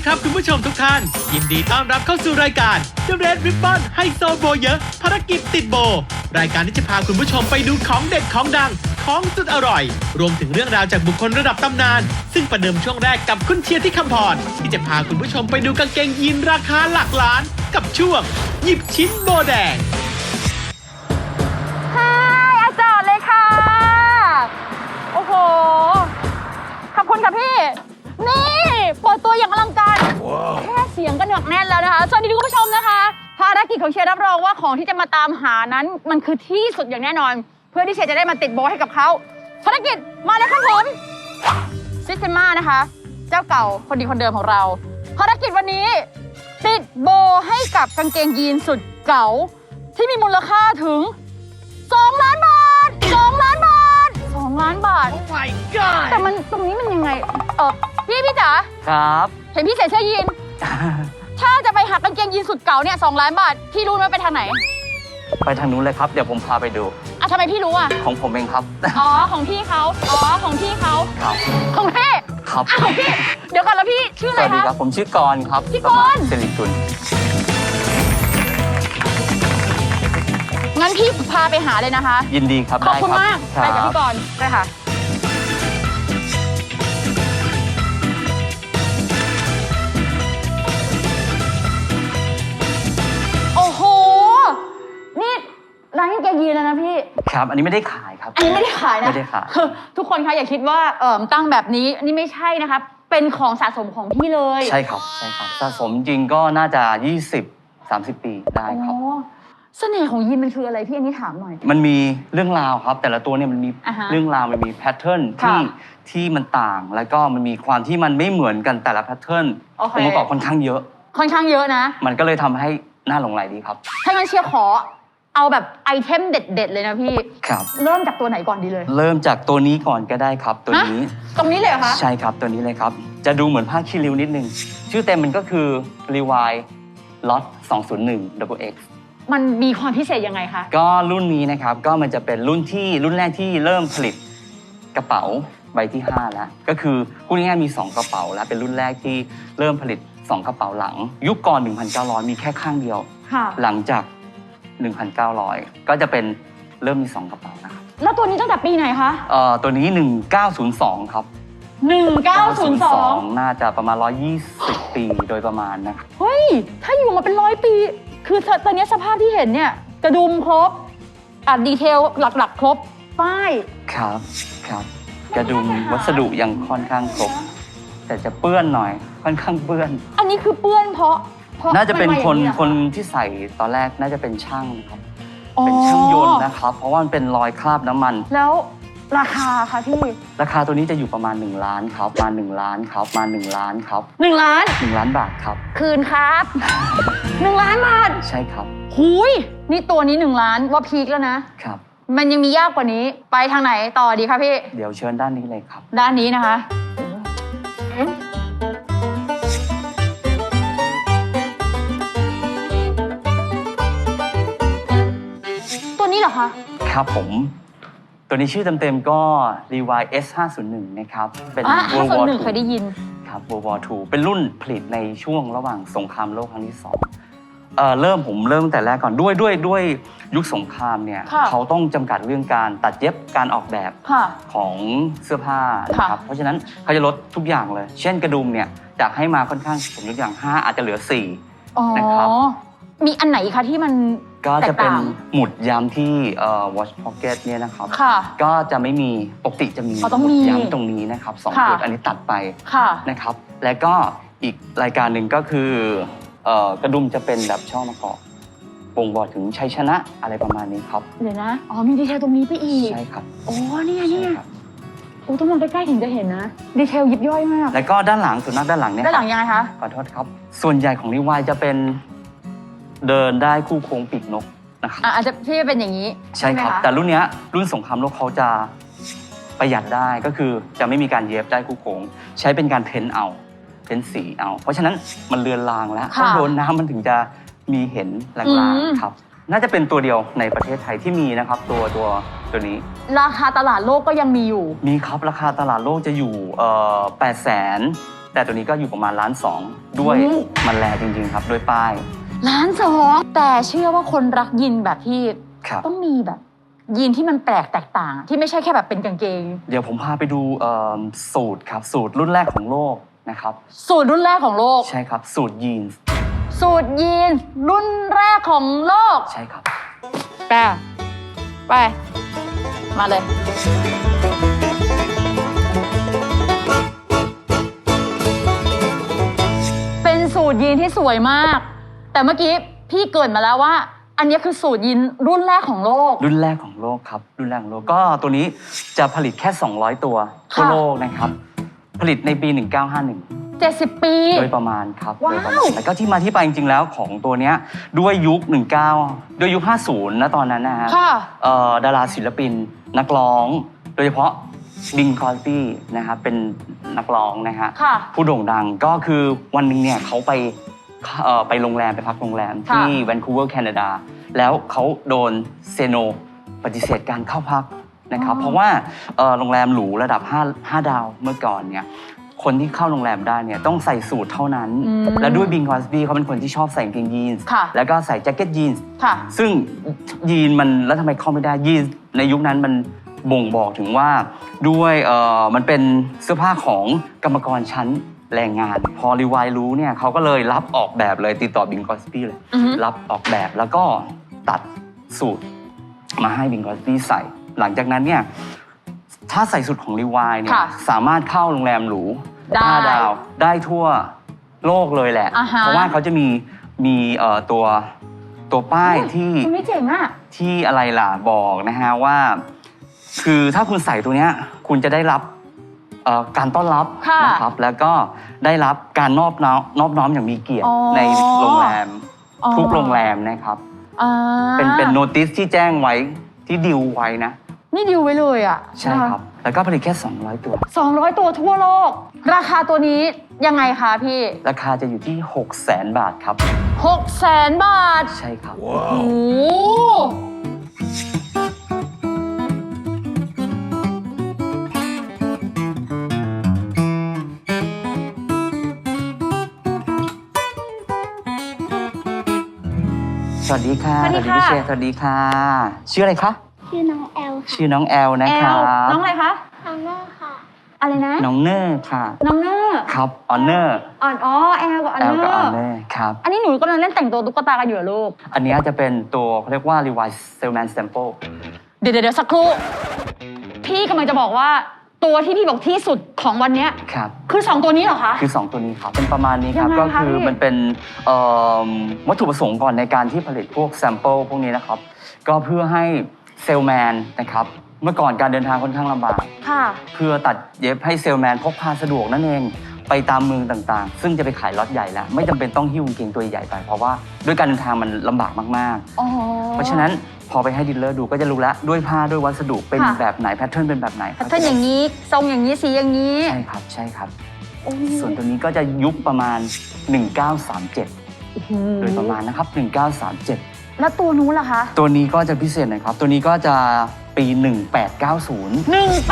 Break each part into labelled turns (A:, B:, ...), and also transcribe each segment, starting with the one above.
A: ครับคุณผู้ชมทุกท่านยินดีต้อนรับเข้าสู่รายการ The Red Ribbon ไฮโซโบเยอะภารกิจติดโบรายการที่จะพาคุณผู้ชมไปดูของเด็ดของดังของสุดอร่อยรวมถึงเรื่องราวจากบุคคลระดับตำนานซึ่งประเดิมช่วงแรกกับคุณเชียร์ที่คำพรที่จะพาคุณผู้ชมไปดูกางเกงยีนราคาหลักล้านกับช่วงหยิบชิ้นโบแดง
B: อาจารย์เลยค่ะโอ้โหขอบคุณค่ะพี่นี่เปิดตัวอย่างอลังการแค่เสียงก็หนักแน่นแล้วนะคะสวัสดีคุณผู้ชมนะคะภารกิจของเชียร์รับรองว่าของที่จะมาตามหานั้นมันคือที่สุดอย่างแน่นอนเพื่อที่เชียร์จะได้มาติดโบให้กับเขาภารกิจมาเลยครับผมซิสเตม่านะคะเจ้าเก่าคนดีคนเดิมของเราภารกิจวันนี้ติดโบให้กับกางเกงยีนสุดเก่าที่มีมูลค่าถึง2 ล้านบาท2 ล้านบาท2 ล้านบาท
A: Oh my god
B: แต่มันตรงนี้มันยังไงพี่จ๋า
C: ครับ
B: เห็นพี่ใส่เสื้อยีน ถ้าจะไปหากางเกงยีนสุดเก่าเนี่ย2 ล้านบาทพี่รู้ไหมไปทางไหน
C: ไปทางนู้นเลยครับเดี๋ยวผมพาไปดู
B: ทำไมพี่รู้อ่ะ
C: ของผมเองครับ
B: อ๋อของพี่เขาของพี่เขา
C: ครับ
B: ของพี่
C: ครับ
B: ของพี่เดี๋ยวก่อนแล้วพี่ชื่อ
C: ส
B: อะไร
C: วัสดี
B: คะ
C: ครับผมชื่อกรณ์ครับ
B: พี่กรณ์
C: สิริกุล
B: งั้นพี่พาไปหาเลยนะคะ
C: ยินดีครับ
B: ขอบคุณ
C: ได้
B: มาก
C: ครับ
B: ไปกับพี่กรณ์ไปค่ะโอ้โหนี่ร้านกางเกงยีนแล้วนะพี่
C: ครับอันนี้ไม่ได้ขายครับ
B: อันนี้ไม่ได้ขายนะ
C: ไม่ได้ขาย
B: คือทุกคนคะอย่าคิดว่าตั้งแบบนี้นี่ไม่ใช่นะคะเป็นของสะสมของพี่เลย
C: ใช่ครับใช่ครับสะสมจริงก็น่าจะ20-30 ปีได้ครับ
B: อ๋อเสน่ห์ของยีนมันคืออะไรพี่อันนี้ถามหน่อย
C: มันมีเรื่องราวครับ แต่ละตัวเนี่ยมันมี
B: อ่าฮะ
C: เรื่องราวมันมีแพทเทิร์น
B: ค่ะ
C: ที่มันต่างแล้วก็มันมีความที่มันไม่เหมือนกันแต่ละแพทเทิร์น
B: โอเค
C: องค์ประกอบค่อนข้างเยอะ
B: ค่อนข้างเยอะนะ
C: มันก็เลยทำให้น่าหลงใหลดีครับ
B: ถ้างั้นเชียร์ขอเอาแบบไอเทมเด็ดๆเลยนะพี่
C: ครับ
B: เริ่มจากตัวไหนก่อนดีเลย
C: เริ่มจากตัวนี้ก่อนก็ได้ครับตัวนี้
B: ตรงนี้เลยเหรอคะ
C: ใช่ครับตัวนี้เลยครับ จะดูเหมือนผ้าคีริ้วนิดนึง ชื่อเต็มมันก็คือ Levi Lot 201 Double X
B: มันมีความพิเศษยังไงคะ
C: ก็รุ่นนี้นะครับก็มันจะเป็นรุ่นแรกที่เริ่มผลิตกระเป๋าใบที่ 5 แล้ว ก็คือพูดง่ายๆมี 2 กระเป๋าแล้วเป็นรุ่นแรกที่เริ่มผลิต 2 กระเป๋าหลัง ยุคก่อน 1,900 มีแค่ข้างเดียว
B: ค่ะ
C: หลังจาก 1,900 ก็จะเป็นเริ่มมี 2 กระเป๋านะครับ
B: แล้วตัวนี้ตั้งแต่ปีไหนคะ
C: ตัวนี้ 1902 ครับ
B: 1902
C: น่าจะประมาณ 120 ปีโดยประมาณนะครับ
B: เฮ้ย ถ้าอยู่มาเป็น100 ปี คือตอนนี้สภาพที่เห็นเนี่ย กระดุมครบดีเทลหลักๆ ครบ ป้าย
C: ครับกระดุมวัสดุยังค่อนข้างครบ แต่จะเปื้อนหน่อยค่อนข้างเปื้อน
B: อันนี้คือเปื้อนเพราะ
C: น่าจะเป็น
B: มัมาอย่างหรอ
C: คนที่ใส่ตอนแรกน่าจะเป็นช่างนะครับ
B: อ๋อ
C: เป็นช่างยนต์นะครับ เพราะว่ามันเป็นรอยคราบน้ำมัน
B: แล้วราคาคะพี่
C: ราคาตัวนี้จะอยู่ประมาณ1 ล้านครับมา1 ล้านครับมา1 ล้านครับ
B: 1 ล้าน
C: 1 ล้านบาทครับ
B: คืนครับ 1 ล้านบาท
C: ใช่ครับ
B: หุยนี่ตัวนี้1 ล้านว่าพีคแล้วนะ
C: ครับ
B: มันยังมียากกว่านี้ ไปทางไหนต่อดีคะพี่
C: เดี๋ยวเชิญด้านนี้เลยครับ
B: ด้านนี้นะคะ ตัวนี้เหรอคะ
C: ครับผม ตัวนี้ชื่อเต็มๆก็ Levi S501 นะครับ เป็น World War
B: 501เคยได้ยิน
C: ครับ World War II เป็นรุ่นผลิตในช่วงระหว่างสงครามโลกครั้งที่ 2ผมเริ่มตั้งแต่แรกก่อนด้วยยุคสงครามเนี่ย
B: ค่ะ
C: เขาต้องจำกัดเรื่องการตัดเย็บการออกแบบ
B: ค่ะ
C: ของเสื้อผ้านะครับ เพราะฉะนั้นเขาจะลดทุกอย่างเลย เช่นกระดุมเนี่ยจากให้มาค่อนข้างผมยกอย่าง5อาจจะเหลือ
B: อ๋อ
C: นะครับ
B: มีอันไหนคะที่มัน
C: 4 ก็จะเป็น
B: แตกต่าง
C: หมุดย้ำที่watch pocket เนี่ยนะครับ
B: ค่ะ
C: ก็จะไม่มีปกติจะมี
B: ต้องมี
C: ย้ำตรงนี้นะครับ2
B: ค่ะ
C: จุดอันนี้ตัดไป
B: ค่ะ
C: นะครับ แล้วก็อีกรายการหนึ่งก็คือกระดุมจะเป็นแบบช่อมะกอกบ่งบอกถึงชัยชนะอะไรประมาณนี้ครับ
B: เดี๋ยวนะ อ๋อ มีดีเทลตรงนี้ไปอีก
C: ใช่ครับ
B: โอ้นี่ไงนี่ไง
C: ใช่ครับ
B: โอ้ต้องมองใกล้ๆถึงจะเห็นนะ ดีเทลยิบย่อยมาก
C: แล้วก็ด้านหลังสุนัขด้านหลังเนี่ย
B: ด้านหลังยังไงคะ
C: ขอโทษครับ ส่วนใหญ่ของนิวายจะเป็นเดินได้คู่โค้งปีกนกนะครับ
B: อาจจะที่เป็นอย่างนี้
C: ใช่ครับ
B: ไหมะ
C: แต่รุ่นเนี้ยรุ่นสงครามโลกเขาจะประหยัดได้ก็คือจะไม่มีการเย็บได้คู่โค้งใช้เป็นการเพ้นท์เอาเพ้นท์สีเอา เพราะฉะนั้นมันเลือนลางแล้วต้องโดนน้ำมันถึงจะมีเห็นลางๆครับน่าจะเป็นตัวเดียวในประเทศไทยที่มีนะครับตัวนี้
B: ราคาตลาดโลกก็ยังมีอยู่
C: มีครับราคาตลาดโลกจะอยู่800,000 แต่ตัวนี้ก็อยู่ประมาณ1.2 ล้านด้วยมันแลจริงๆครับด้วยป้าย
B: 1.2 ล้านแต่เชื่อว่าคนรักยีนแบบพี่
C: ครับ
B: ต้องมีแบบยีนที่มันแปลกแตกต่างที่ไม่ใช่แค่แบบเป็นกางเกง
C: เดี๋ยวผมพาไปดูสูตรครับสูตรรุ่นแรกของโลกนะครับ
B: สูตรรุ่นแรกของโลก
C: ใช่ครับสูตรยีนส์
B: สูตรยีนรุ่นแรกของโลก
C: ใช่ครับ
B: ไปมาเลย เป็นสูตรยีนที่สวยมาก แต่เมื่อกี้พี่เกริดมาแล้วว่า อันนี้คือสูตรยีนรุ่นแรกของโลก
C: รุ่นแรกของโลกครับรุ่นแรกของโลกก็ตัวนี้จะผลิตแค่200 ตัวทั่ว
B: ค่ะ
C: โลกนะครับผลิตในปี 1951
B: 70 ปี
C: โดยประมาณครับ
B: ว้าว
C: โดยประมาณแล้วก็ที่มาที่ไปจริงๆแล้วของตัวเนี้ยด้วยยุค ด้วยยุค 50 นะตอนนั้นนะฮะ
B: ค่ะ
C: ดาราศิลปินนักร้อง โดยเฉพาะบิงคอสบี้นะครับเป็นนักร้องนะฮะ
B: ค่ะ
C: ผู้โด่งดังก็คือวันหนึ่งเนี่ยเขาไปโรงแรมไปพักโรงแรม
B: ค่ะ
C: ที่แวนคูเวอร์แคนาดาแล้วเขาโดนเซโนปฏิเสธการเข้าพักนะครับเพราะว่าโรงแรมหรูระดับ5 ดาวเมื่อก่อนเนี่ยคนที่เข้าโรงแรมได้เนี่ยต้องใส่สูทเท่านั้น และด้วยบิงคอสบี้เขาเป็นคนที่ชอบใส่กางเกงยีนส์
B: ค่ะ
C: แล้วก็ใส่แจ็คเก็ตยีนส์
B: ค่ะ
C: ซึ่งยีนมันแล้วทำไมเข้าไม่ได้ยีนในยุคนั้นมันบ่งบอกถึงว่าด้วยมันเป็นเสื้อผ้าของกรรมกรชั้นแรงงาน พอรีวายรู้เนี่ยเขาก็เลยรับออกแบบเลยติดต่อบิงคอสปี้เลย
B: อือฮึ
C: รับออกแบบแล้วก็ตัดสูตรมาให้บิงคอสปี้ใส่ หลังจากนั้นเนี่ยถ้าใส่สูตรของรีวายเนี่ย
B: ค่ะ
C: สามารถเข้าโรงแรมหรู
B: ได้
C: 5 ดาวได้ทั่วโลกเลยแหละ
B: อ่าฮะ
C: เพราะว่าเขาจะมีตัวป้ายที่
B: คุณไม่เจ๋งอ่ะ
C: ที่อะไรล่ะบอกนะฮะว่า คือถ้าคุณใส่ตัวเนี้ยคุณจะได้รับการต้อนรับ
B: ค่ะ
C: นะครับแล้วก็ได้รับการนอบน้อมอย่างมีเกียรติ
B: อ๋อ
C: ในโรงแรม
B: อ๋อ
C: ทุกโรงแรมนะครับ
B: อ่า
C: เป็นโน้ติสที่แจ้งไว้ที่ดิวไว้นะ
B: นี่ดิวไว้เลยอ่ะ
C: ใช่ครับ แล้วก็ผลิตแค่ 200 ตัว
B: 200 ตัวทั่วโลก ราคาตัวนี้ยังไงคะพี่
C: ราคาจะอยู่ที่ 600,000 บาทครับ
B: 600,000 บาท
C: ใช่ครับ
B: โอ้โห
C: สวัสดีค่ะ
B: สวัสดีค่ะ
C: พี่เชษสวัสดีค่ะ ชื่ออะไรคะ
D: ชื่อน้องแอลค่ะ
C: ชื่อน้องแอลนะ
B: แอ
C: ครั
B: ล
C: บ
B: น้องอะไรคะ
D: น้องเนอร์ค่ะ
B: อะไรนะ
C: น้องเนอร์ค่ะ
B: น้องเนอร์
C: ครับออนเนอร์
B: อ๋อแอลกับออน
C: แอ
B: เน
C: ล
B: อ
C: กับออน
B: ร์
C: เนอร์ครับ
B: อันนี้หนูกำลังเล่นแต่งตัวตุ๊กตากันอยู่เหรอลูก
C: อันนี้จะเป็นตัวเขาเรียกว่า Levi's Salesman Sample
B: เดี๋ยวสักครู่ พี่กำลังจะบอกว่าตัวที่พี่บอกที่สุดของวันเนี้ย
C: ครับ
B: คือ 2 ตัวนี้เหรอคะ
C: คือ 2 ตัวนี้ครับ เป็นประมาณนี้ครับ
B: ยังไง
C: ก็
B: คะ
C: คือ
B: พี่
C: มันเป็นวัตถุประสงค์ก่อนในการที่ผลิตพวก sample พวกนี้นะครับ ก็เพื่อให้เซลแมนนะครับ เมื่อก่อนการเดินทางค่อนข้างลำบาก
B: ค่ะ
C: เพื่อตัดเย็บให้เซลแมนพกพาสะดวกนั่นเอง ไปตามเมืองต่างๆ ซึ่งจะไปขายล็อตใหญ่แล้ว ไม่จำเป็นต้องหิ้วกางเกงตัวใหญ่ไป เพราะว่าด้วยการเดินทางมันลำบากมากๆ
B: อ๋อ
C: เพราะฉะนั้นพอไปให้ดีลเลอร์ดูก็จะรู้แล้วด้วยผ้าด้วยวัสดุเป็น
B: ค่ะ
C: แบบไหนแพทเทิร์นเป็นแบบไหน
B: แพทเทิร์นอย่างนี้ ทรงอย่างนี้ สีอย่างนี้
C: ใช่ครับใช่ครับ
B: โอ้
C: ส่วนตัวนี้ก็จะยุคประมาณ 1937
B: โห
C: โดยประมาณนะครับ 1937
B: แล้วตัวนู้นล่ะคะ
C: ตัวนี้ก็จะพิเศษหน่อยครับ ตัวนี้ก็จะปี 1890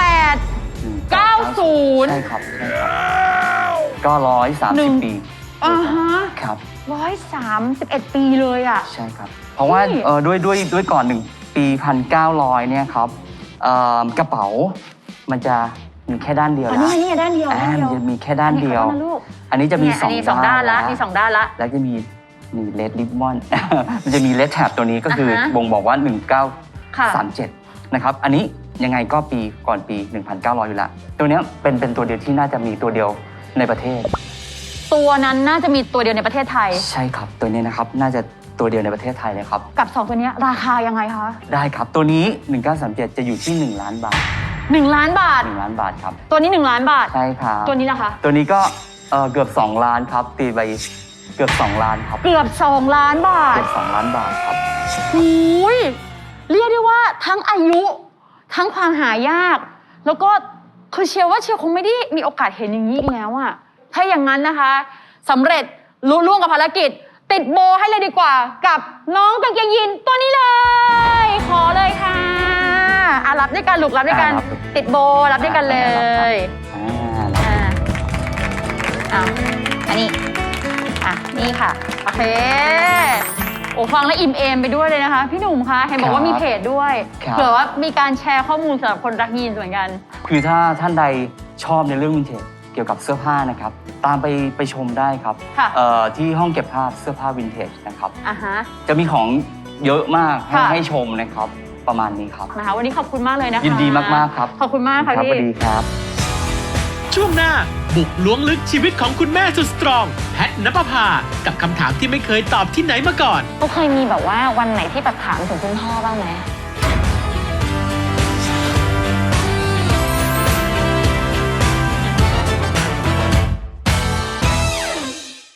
B: 1890
C: ใช่ครับใช่ครับก็ 130 ปี
B: อ่าฮะ
C: ครับ
B: 131 ปีเลยอ่ะ
C: ใช่ครับ เพราะว่า
B: นี่
C: ด้วยก่อน1 ปี 1900 เนี่ยครับกระเป๋ามันจะมีแค่ด้านเดียว
B: อัน
C: แล้ว
B: นี้ด้านเดียว
C: มันจะมีแค่ด้านเดียว
B: อันนี้ขอโทษนะลูก
C: อันนี้จะมี
B: เนี่ยอันนี้สองด้านละมีสองด้านละ
C: แล้วจะมีเลดริบบอน มันจะมีเลดแท็บตัวนี้ก็คือ
B: อ่าฮะ
C: บ่งบอกว่า
B: ค่ะ
C: 1937 นะครับ อันนี้ยังไงก็ปีก่อนปี 1900 อยู่ละตัวเนี้ยเป็นตัวเดียวที่น่าจะมีตัวเดียวในประเทศ
B: ตัวนั้นน่าจะมีตัวเดียวในประเทศไทย
C: ใช่ครับ ตัวนี้นะครับน่าจะตัวเดียวในประเทศไทยเลยครับ
B: กับ 2 ตัวเนี้ยราคายังไงคะ
C: ได้ครับ ตัวนี้ 1937 จะอยู่ที่ 1 ล้านบาท
B: 1 ล้านบาท
C: 1 ล้านบาทครับ
B: ตัวนี้ 1 ล้านบาท
C: ใช่ครับ
B: ตัวนี้นะคะ
C: ตัวนี้ก็เกือบ 2 ล้านครับ ตีไปเกือบ 2 ล้านครับ
B: เกือบ 2 ล้านบาท
C: เกือบ2 ล้านบาทครับ
B: หูยเรียกได้ว่าทั้งอายุ ทั้งความหายาก แล้วก็คือเชียร์ว่าเชียร์คงไม่ได้มีโอกาสเห็นอย่างนี้อีกแล้วอะถ้าอย่างนั้นนะคะสำเร็จลุล่วงกับภารกิจ ติดโบให้เลยดีกว่า กับน้องกางเกงยีนตัวนี้เลย ขอเลยค่ะรับด้วยกันลูกรับด้วยกัน
C: รับ
B: ติดโบรับด้วยกันเลย
C: อ่า
B: อันนี้นี่ค่ะโอเคโอ้ฟังแล้วอิ่มเอมไปด้วยเลยนะคะพี่หนุ่มคะเห็นบอกว่ามีเพจด้วยเผื่อว่ามีการแชร์ข้อมูลสำหรับคนรักยีนส์เหมือนกัน
C: คือถ้าท่านใดชอบในเรื่องวินเทจเกี่ยวกับเสื้อผ้านะครับตามไปชมได้ครับที่ห้องเก็บภาพเสื้อผ้าวินเทจนะครับจะมีของเยอะมากให้ชมนะครับประมาณนี้ครับ
B: นะคะวันนี้ขอบคุณมากเลยนะคะ
C: ยินดีมากๆครับ
B: ขอบคุณมากค่ะพี่
C: สวัสดีครับ
A: ช่วงหน้าบุกล้วงลึกชีวิตของคุณแม่สุดสตรองแพทณปภากับคำถามที่ไม่เคยตอบที่ไหนมาก่อน
B: เขาเคยมีแบบว่าวันไหนที่แบบถามถึงคุณพ่อบ้างไหม